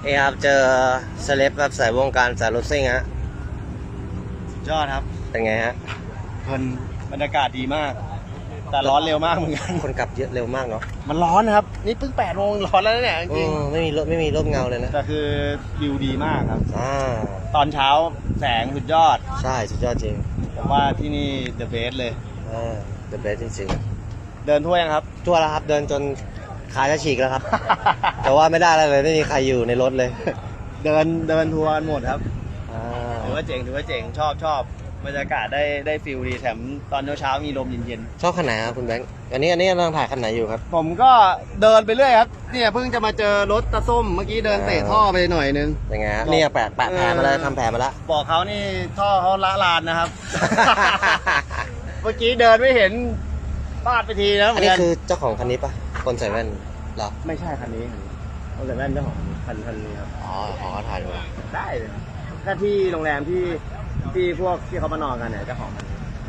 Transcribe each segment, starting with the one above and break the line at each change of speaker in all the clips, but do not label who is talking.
นี่ครับเจอเซเลบแบบสายวงการสายรถซิ่งฮะ
ยอดครับ
เป็นไงฮะ
เพลินบรรยากาศดีมาก แต่ร้อนเร็วมากเหมือนกัน
คนกลับเยอะเร็วมากเนาะ
มันร้อนนะครับ นี่เพิ่ง8 โมงร้อนแล้วเนี่ยจริง
ไม่มีร่มเงาเลยนะ
ๆแต่คือวิวดีมากครับ ตอนเช้าแสงสุดยอด
ใช่สุดยอดจริง
ผมว่าที่นี่ the best เลย
The best จริง
เดินทั่วยังครับ
ๆทั่วแล้วครับเดินจนขาจะฉีกแล้วครับ แต่ว่าไม่ได้อะไรเลยไม่มีใครอยู่ในรถเลย
เดินทัวร์หมดครับ
อ่า
ถือว่าเจ๋งชอบบรรยากาศได้ฟิลดีแถมตอนเช้ามีลมเย็น
ชอบคันไหนครับคุณแบงค์อันนี้กำลังถ่ายคันไหนอยู่ครับ
ๆผมก็เดินไปเรื่อยครับเนี่ยเพิ่งจะมาเจอรถตาส้มเมื่อกี้เดินเตะท่อไปหน่อยนึง
เป็นไงฮะนี่แปะแผลมาแล้วทำแผลมาแล้ว
บอกเขานี่ท่อเขาละลานนะครับ เมื่อกี้เดินไม่เห็นพลาดไปทีนะเห
อั
มื
น
อน
นี้
กัน
คือเจ้าของคันนี้ปะคนใส่แว่นเหรอ
ไม่ใช่คันนี้เอาแต่แว่นเจ้าของคันนี้ครับ
อ๋อถ่ายดู
ได้เลยก็ที่โรงแรมที่พวกที่เขามานอนกันเนี่ยเจ้าของคันนี้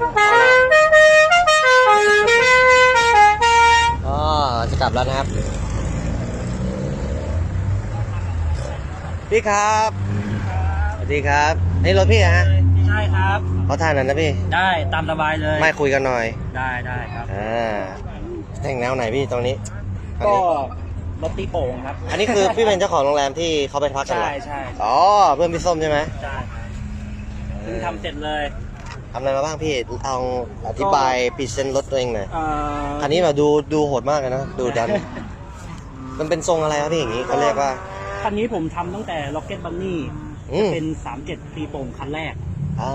อ๋อจะกลับแล้วนะครับพี่ครับสวัสดีครับนี่รถพี่ฮะ
ใช่ครับ
เขาถ่ายหน่อยนะพี่
ได้ตามสบายเลย
ไม่คุยกันหน่อย
ได้ครับ
แต่งแนวไหนพี่ตรงนี้อัน
ก็
นี้
รถตีโป่งครับ
อันนี้คือพี่เป็นเจ้าของโรงแรมที่เขาไปพักกันเหรอ
ใช่
อ๋อเพื่อนพี่ส้มใช่ไหม
ใช่เพิ่งทำเสร็จเลย
ทำอะไรมาบ้างพี่ลองอธิบายพรีเซนต์รถตัวเองหน่อย
เอ่อ
คันนี้แบบดูโหดมากเลยนะดูดัน มันเป็นทรงอะไรครับพี่อย่างนี้เขาเรียกว่า
คันนี้ผมทำตั้งแต่ Rocket Bunny
อืม
เป็น 37 ตีโป่งคันแรก
อ๋อน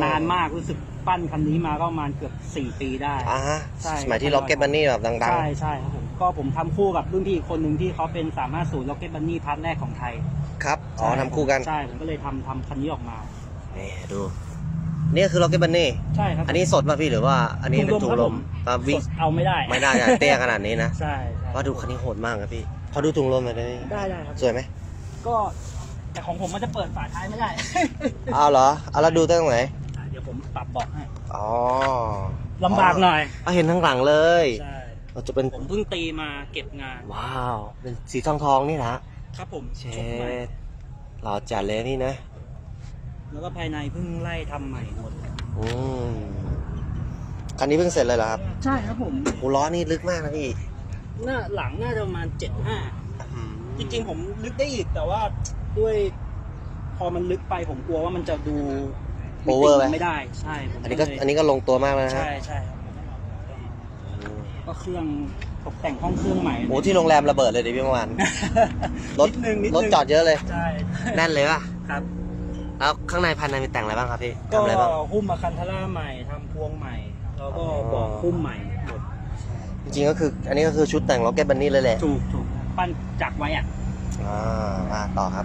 านมากรู้สึกปั้นคันนี้มาก็ประมาณเกือบ 4 ปีได้
ฮะ
ใช่
สมัยที่ล็อกเก็ตบันนี่แบบดัง
ใช่ครับผมก็ผมทำคู่กับรุ่นพี่อีกคนหนึ่งที่เขาเป็น350 Rocket Bunny พาร์ทแรกของไทย
ๆครับอ๋อทำคู่กัน
ใช่ผมก็เลยทำคันนี้ออกมา
นี่ดูนี่คือล็อกเก็ตบันนี่
ใช่ครับ
อันนี้สดป่ะพี่หรือว่าอันนี้เป็นถุงลม
ครับ
วิ่ง
สดเอาไม่ได้
ไม่ได้อะเตี้ยขนาดนี้นะ
ใช่
ว่าดูคันนี้โหดมากครับพี่พอดูถุงลมหน่อยได้ไหม
ได้ครับ
สวยไหม
ก็แต่ของผมมันจะเปิดฝาท้ายไม่ได้
เอาเหรอเอาแล้วดูตั้งไหน
เดี๋ยวผมปรับเบาะให้
อ๋อ
ลำบากหน่อย
เอาเห็นทั้งหลังเลย
ใช่
เราจะเป็น
ผมเพิ่งตีมาเก็บงาน
ว้าวเป็นสีทองนี่นะครับ
ผม
เช
ชุดใหม่
ดหล่อจัดเลยนี่นะ
แล้วก็ภายในเพิ่งไล่ทำใหม่หมด
อืมคันนี้เพิ่งเสร็จเลยเหรอครับ
ใช่ครับผม
โอ้ล้อนี่ลึกมากนะพี่
หน้าหลังน่าจะประมาณ 75 จริงๆผมลึกได้อีกแต่ว่าด้วย พอมันลึกไปผมกลัวว่ามันจะดู
โอเวอร์ไหม
ไม่ได้ใช่ผม
อันนี้ก็ลงตัวมากแล้วนะฮะ
ใช่ครับก็เครื่องตกแต่งห้องเครื่องใหม่
โอ้ที่โรงแรมระเบิดเลยดิพี่เมื่อวาน รถ
นิดนึง
รถจอดเยอะเลย
ใช่
แน่นเลยป่ะ
ครับ
แล้วข้างในภายในมีแต่งอะไรบ้างครับพี่
ก็
ทำอะไรบ้าง
หุ้มมาคันทาร่าใหม่ทำพวงใหม่ แล้วก็บอกหุ้มใหม่หมด
จริงๆก็คือ อันนี้ก็คือชุดแต่งล็อกเก็ตบันนี่เลยแหละ
ถูกปั้นจักไว้อะ
มาต่อครับ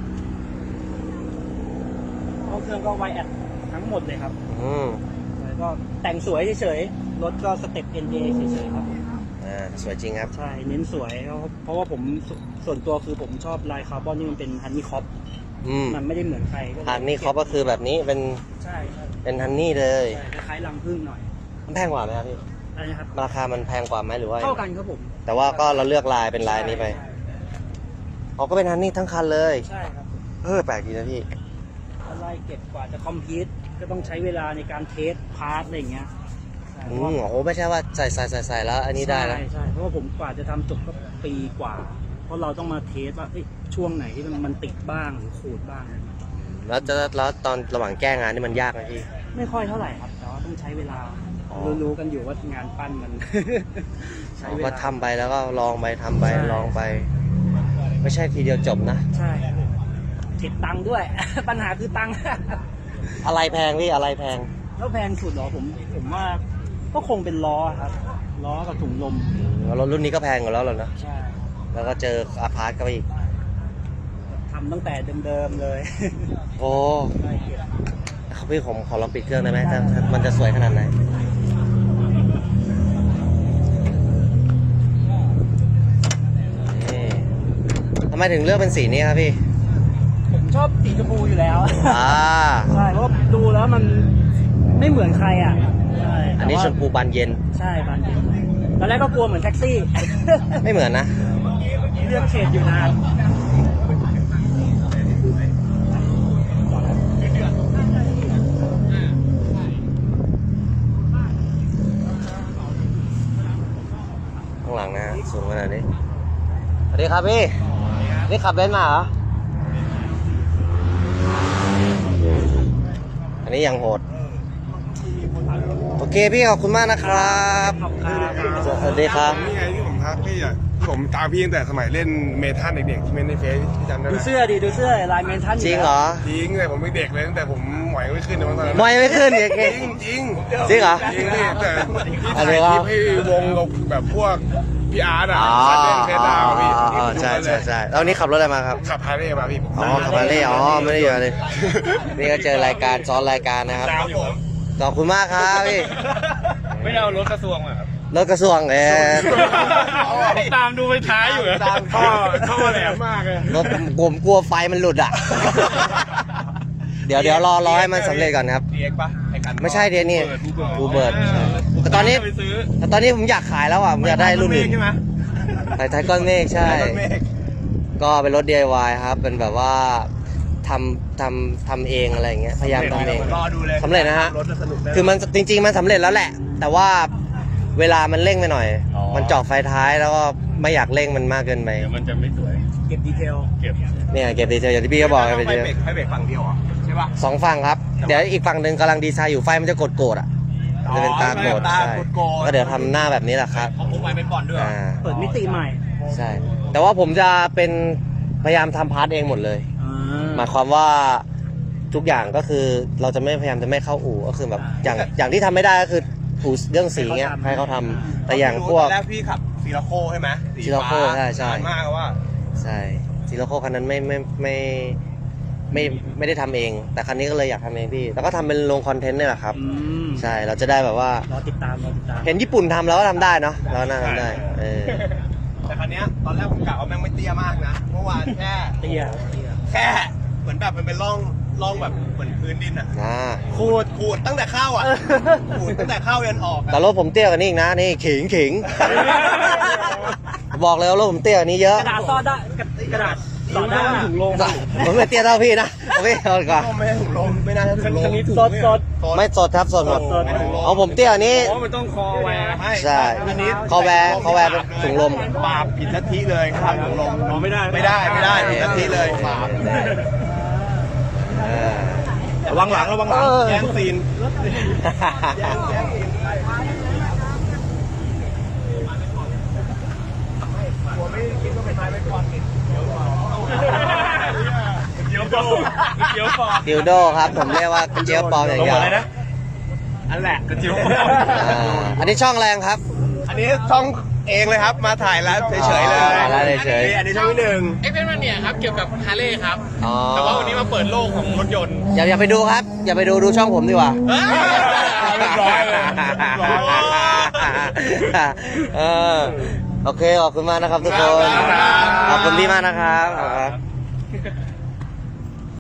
ห้องเครื่องก็ไวแอดทั้งหมดเลยครับ
อืม
แล้วก็แต่งสวยเฉยๆรถก็สเต็ป NA เฉยๆครับผม
สวยจริงครับ
ใช่เน้นสวยเพราะว่าผมส่วนตัวคือผมชอบลายคาร์บอนที่มันเป็นฮันนี่คอป
อืม
มันไม่ได้เหมือนใครก็เลย
ฮันนี่เขาก็คือแบบนี้เป็น
ใช่
เป็นฮันนี่เลย
คล้ายๆรังผึ้งหน่อย
มันแพงกว่าไหมครับพี่
อะไรนะครับ
ราคามันแพงกว่าไหมหรือว่า
เท่ากันครับผม
แต่ว่าก็เราเลือกลายเป็นลายนี้ไปเขาก็เป็นฮันนี่ทั้งคันเลย
ใช่ครับ
แปลกดีนะพี่
อะไรเก็บกว่าจะคอมพิวต์ก็ต้องใช้เวลาในการเทสพาร์ทอะไรอย่างเงี้ยใช่
โอ้โหไม่ใช่ว่าใส่แล้ว อันนี้ได้แล้ว
ใช่เพราะว่าผมกว่าจะทำจบก็ปีกว่า เพราะเราต้องมาเทสว่าช่วงไหนที่มันติดบ้างหรือขูดบ้าง
แล้วตอนระหว่างแก้งานนี่มันยากไหมพี่
ไม่ค่อยเท่าไหร่ครับแต่ว่าต้องใช้เวลา
อ๋อ
รู้ๆกันอยู่ว่างานปั้นมัน ใช้เว
ก็
ลา
ทำไปแล้วก็ลองไปทำไป
ใช่
ลองไป ไม่ใช่ทีเดียวจบนะ
ใช่ติดตังค์ด้วย ปัญหาคือตังค์
อะไรแพงพี่อะไรแพง
แล้วแพงสุดเหรอผมว่าก็คงเป็นล้อครับล้อกับถุงลม
รถรุ่นนี้ก็แพงกว่าแล้วเหรอนะ
ใช่
แล้วก็เจออาพาร์ตก็ไปอีก
ทำตั้งแต่เดิมๆเลย
โอ้เขาพี่ผมขอลองปิดเครื่องได้ไหมถ้ามันจะสวยขนาดไหนนี่ทำไมถึงเลือกเป็นสีนี้ครับพี่
ผมชอบสีชมพูอยู่แล้ว
อ่า
ใช่เพราะดูแล้วมันไม่เหมือนใครอ่ะใช่
อันนี้ชมพูบานเย็น
ใช่บานเย็นตอนแรกก็กลัวเหมือนแท็กซี่
ไม่เหมือนนะ
เลือกเฉดอยู่นาน
ครับพี่ นี่ขับเบนซ์มาเหรอ อันนี้ยังโหด โอเคพี่ขอบคุณมากนะครับ สวัสดีครับ
นี่ไงที่ผมทักพี่อ่ะผมตามพี่ตั้งแต่สมัยเล่นเมทัลเด็กๆที่เมนในเฟซพี่จำได้ไห
ดู
ม
เสื้อดิดูเสื้อลายเมนทัน
จริงเหรอ
จริงแต่ผมเป็นเด็กเลยตั้งแต่ผมหมอยไม่ขึ้นในวันตอนนั้น
ไม่ไม่ขึ้นอีก
จริงจริง
จริงเหรอ
จริงพี่แต่พี่
อัน
ถ่า
นี้
ย
ค
ครับ ลิปให้วงกับแบบพวกพี่อาร์ตอ่ะ
อ๋อ
ซันเดนเฟสดาวพี่
ใช่ใช่ใช่แล้ววันนี้ขับรถอะไรมาครับ
ขับพาเร่มาพี่
อ๋อขับมาเล่อ๋อไม่ได้อยู่เลย นี่ก็เจอรายการซ้อนรายการนะครับ
ครับผม
ขอบคุณมากครับพี่
ไม่เอารถกระทรวงมาครับ
รถกระทรวง
ตามดูไปท้ายอยู่ตามท่อแหลมมากเลย
รถผมกลัวไฟมันหลุดอ่ะ เดี๋ยวรอให้มันสำเร็จก่อนครับ
เด็กปะไอ้กัน
ไม่ใช่เดี๋ยวนี่บูเบิร์ดแต่ตอนนี้ผมอยากขายแล้วอ่ะผมอยากได้รุ่นอื่น
ใช่ไหม
ไทก้อนเมฆใช่ ก็เป็นรถ DIY ครับ เป็นแบบว่าทำเองอะไรอย่างเงี้ย พยายามทำเอง
รอดูเลย
สำเร็จนะฮะ
รถจะสนุกแน่
คือมันจริงๆมันสำเร็จแล้วแหละ แต่ว่าเวลามันเร่งไปหน่อย มันเจาะไฟท้ายแล้วก็ไม่อยากเร่งมันมากเกินไป
เดี๋ยวมันจะไม่สวย
เก็บดีเทล
เก็บ
เนี่ยเก็บดีเทลอย่างที่พี่เขาบอกไป
ไฟ
เยอะ
เบรกฝั่งเดียวเหรอใช่ปะ
สองฝั่งครับ เดี๋ยวอีกฝั่งหนึ่งกำลังดีไซน์อยู่ไฟมันจะกดอ่ะจะเป็นตากด
ตา
ใช่
โกด
ก็เดี๋ยวทำหน้าแบบนี้แหละครับ
เขาพกไว้เป็นก่อนด้วย
อ่า
เปิดมิติใหม่
ใช่ แต่ว่าผมจะเป็นพยายามทำพาร์ทเองหมดเลย หมายความว่าทุกอย่างก็คือเราจะไม่พยายามจะไม่เข้าอู่ก็คือแบบอย่างที่ทำไม่ได้ก็คืออู่เรื่องสีเงี้ยให้เขาทำแต่อย่างพวก
ตอนแรกพี่ขับซีราโคใช่ไหมสี
ซีราโค
ฟ้า
ใช่
นานมากว่า
ใช่ซีโร่โคคันนั้นไม่ได้ทำเอง แต่คันนี้ก็เลยอยากทำเองพี่แล้วก็ทำเป็นลงคอนเทนต์นี่แหละครับ ใช่เราจะได้แบบว่าร
อติดตาม
เห็นญี่ปุ่นทำเราก็ทำได้เนาะเราน่าทำได้
แต่คันเนี้ยตอนแรกผมกะว่าแม่งไม่เตี้ยมากนะเมื่อวานแค่
เตี้ย
แค่เหมือนแบบมันเป็นร่องแบบเหมือนพื้นดินอ่ะ ขูดตั้งแต่เข้าอ่ะขูดตั้งแต่เข้ายันออก
แต่รถผมเตี้ยกว่านี้อีกนะนี่ขิงบอกเลยว่ารถผมเตี้ยกว่านี้เยอะ
กระดาษซ่อนได้กระดาษซ่อนได้ถุงลม
ผมไม่เตี้ยเท่าพี่นะเอาพี่เอาก่อน
ไม่ได้ถุงลมไม่น่าจะถุงลม
สด
ไม่สดครับสดหมด
ไม่ถุงลม
เอาผมเตี้ยกว่านี้
อ๋อมันต้องคอแวร์
ใช่คอแวร์เป็นถุงลม
บาปผิดลัทธิเลยครับถุงลม
ไม่ได้
ไม่ได้ผิดลัทธิเลยบาป ระวังหลังแย่งซีนเดี๋ยวปอ
ดิวโดครับผมเรียกว่าเจี๊ยบปลอมอย่างเดียว
อันแหละกระจิ๋ว
อันนี้ช่องแรงครับ
อันนี้ช่องเองเลยครับมาถ่ายแล้วเฉยๆเลย
ถ่ายแล้วเฉยๆ
อันนี้ช่องที่หนึ่ง
เอ็กเพนมันเนี่ยครับเกี่ยวกับฮาร์เลย์ครับ
อ๋อ
แต่ว่าวันนี้มาเปิดโลกของรถยนต์
อย่าไปดูครับ อย่าไปดูช่องผมดีกว่า
เรียบร้อยเลยเรียบร้อย
เออโอเคขอบคุณมากนะครับทุกคน
ครับ
ขอบคุณพี่มากนะครับ